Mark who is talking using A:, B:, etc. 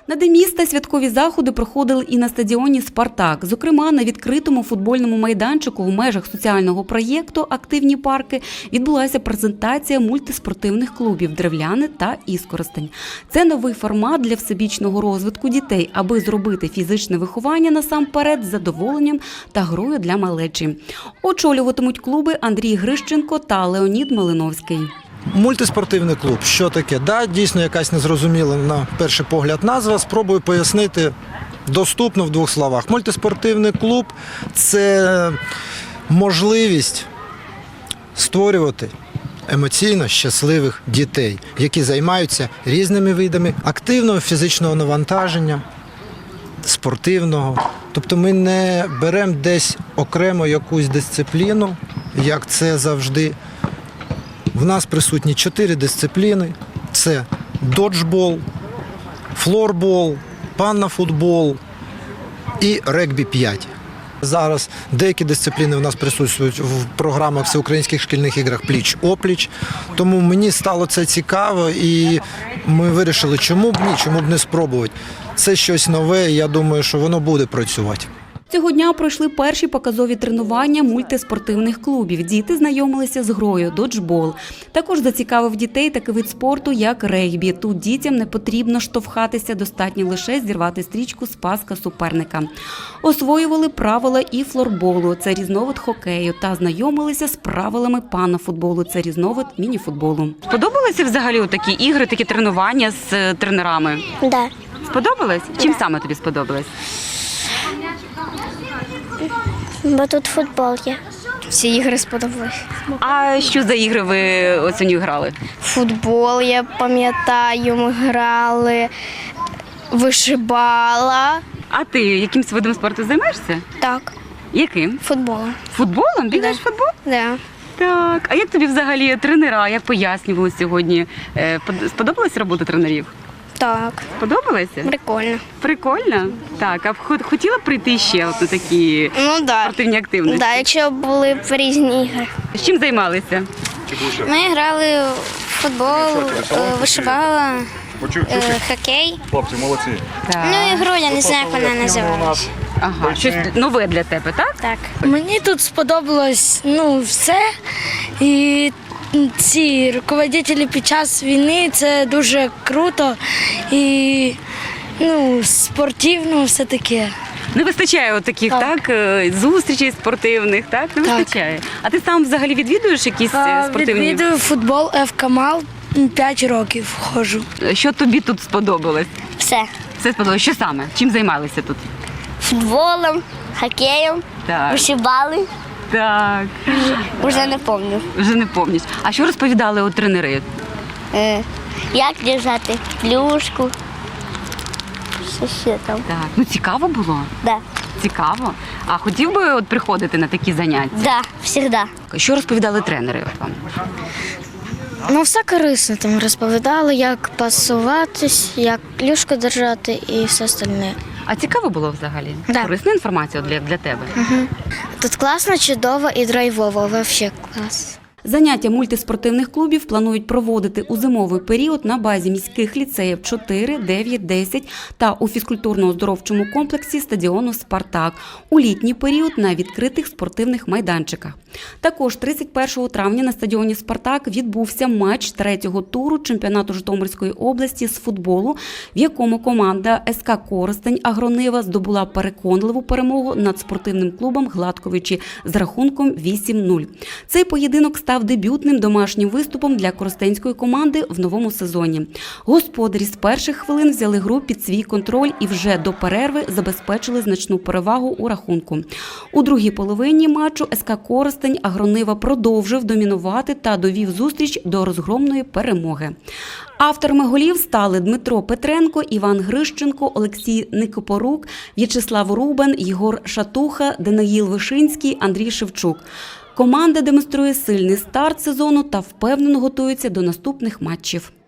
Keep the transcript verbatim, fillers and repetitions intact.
A: На День міста святкові заходи проходили і на стадіоні «Спартак». Зокрема, на відкритому футбольному майданчику в межах соціального проєкту «Активні парки» відбулася презентація мультиспортивних клубів «Древляни» та «Іскоростень». Це новий формат для всебічного розвитку дітей, аби зробити фізичне виховання насамперед з задоволенням та грою для малечі. Очолюватимуть клуби Андрій Грищенко та Леонід Малиновський.
B: Мультиспортивний клуб. Що таке? Да, дійсно якась незрозуміла на перший погляд назва. Спробую пояснити доступно в двох словах. Мультиспортивний клуб – це можливість створювати емоційно щасливих дітей, які займаються різними видами активного фізичного навантаження, спортивного. Тобто ми не беремо десь окремо якусь дисципліну, як це завжди. В нас присутні чотири дисципліни. Це доджбол, флорбол, паннафутбол і регбі п'ять. Зараз деякі дисципліни у нас присутствують в програмах всеукраїнських шкільних іграх пліч-опліч. Тому мені стало це цікаво і ми вирішили, чому б ні, чому б не спробувати. Це щось нове і я думаю, що воно буде працювати.
A: Цього дня пройшли перші показові тренування мультиспортивних клубів. Діти знайомилися з грою доджбол. Також зацікавив дітей такий вид спорту, як регбі. Тут дітям не потрібно штовхатися, достатньо лише зірвати стрічку з паска суперника. Освоювали правила і флорболу – це різновид хокею, та знайомилися з правилами паннафутболу – це різновид мініфутболу. Сподобалися взагалі такі ігри, такі тренування з тренерами?
C: Да.
A: Сподобалось? Чим саме тобі сподобалось?
C: Бо тут футбол є. Всі ігри сподобались.
A: А що за ігри ви осінню грали?
C: Футбол, я пам'ятаю, ми грали, вишибала.
A: А ти якимсь видом спорту займаєшся?
C: Так,
A: Яким?
C: футболом.
A: Футболом? Бігаєш в футбол?
C: Да.
A: Так. А як тобі взагалі тренера, як пояснювали сьогодні? Е, под- Сподобалась робота тренерів?
C: Так,
A: Сподобалася?
C: прикольно.
A: Прикольно? Так, а б хот- хотіла б прийти ще от на такі
C: Ну так.
A: спортивні активності?
C: Да, якщо були б різні ігри.
A: З чим займалися?
C: Ми грали в футбол, вишибала, хокей.
D: Хлопці, молодці.
A: Так.
C: Ну, ігру я не знаю, як вона називалась.
A: Ага, щось нове для тебе, так?
C: Так.
E: Мені тут сподобалось ну, все. І ці руководителі під час війни це дуже круто і ну, спортивно все таке.
A: Не вистачає от таких, так,
E: Так.
A: е, зустрічей спортивних, так? Не
E: Так.
A: вистачає. А ти сам взагалі відвідуєш якісь е,
E: А,
A: спортивні?
E: Відвідую футбол F-Камал, п'ять років ходжу.
A: Що тобі тут сподобалось?
C: Все.
A: Все сподобалось. Що саме? Чим займалися тут?
C: Футболом, хокеєм,
A: Так.
C: вишибали.
A: Так.
C: Уже не пам'ятаю.
A: Вже не пам'ятаєш. А що розповідали от тренери?
C: Е, як держати плюшку. Що ще там?
A: Так. Ну цікаво було.
C: Да.
A: Цікаво. А хотів би от приходити на такі заняття?
C: Да, завжди.
A: Що розповідали тренери от вам?
F: Ну, все корисно там розповідали, як пасуватись, як клюшку держати і все остальне.
A: А цікаво було взагалі?
F: Да.
A: Корисна інформація для, для тебе?
F: Тут класно, чудово і драйвово, взагалі клас.
A: Заняття мультиспортивних клубів планують проводити у зимовий період на базі міських ліцеїв чотири, дев'ять, десять та у фізкультурно-оздоровчому комплексі стадіону «Спартак», у літній період на відкритих спортивних майданчиках. Також тридцять першого травня на стадіоні «Спартак» відбувся матч третього туру чемпіонату Житомирської області з футболу, в якому команда ес ка «Коростень» Агронива здобула переконливу перемогу над спортивним клубом «Гладковичі» з рахунком вісім нуль. Цей поєдинок став дебютним домашнім виступом для коростенської команди в новому сезоні. Господарі з перших хвилин взяли гру під свій контроль і вже до перерви забезпечили значну перевагу у рахунку. У другій половині матчу ес ка «Коростень» Агронива продовжив домінувати та довів зустріч до розгромної перемоги. Авторами голів стали Дмитро Петренко, Іван Грищенко, Олексій Никопорук, В'ячеслав Рубан, Єгор Шатуха, Даниїл Вишинський, Андрій Шевчук. Команда демонструє сильний старт сезону та впевнено готується до наступних матчів.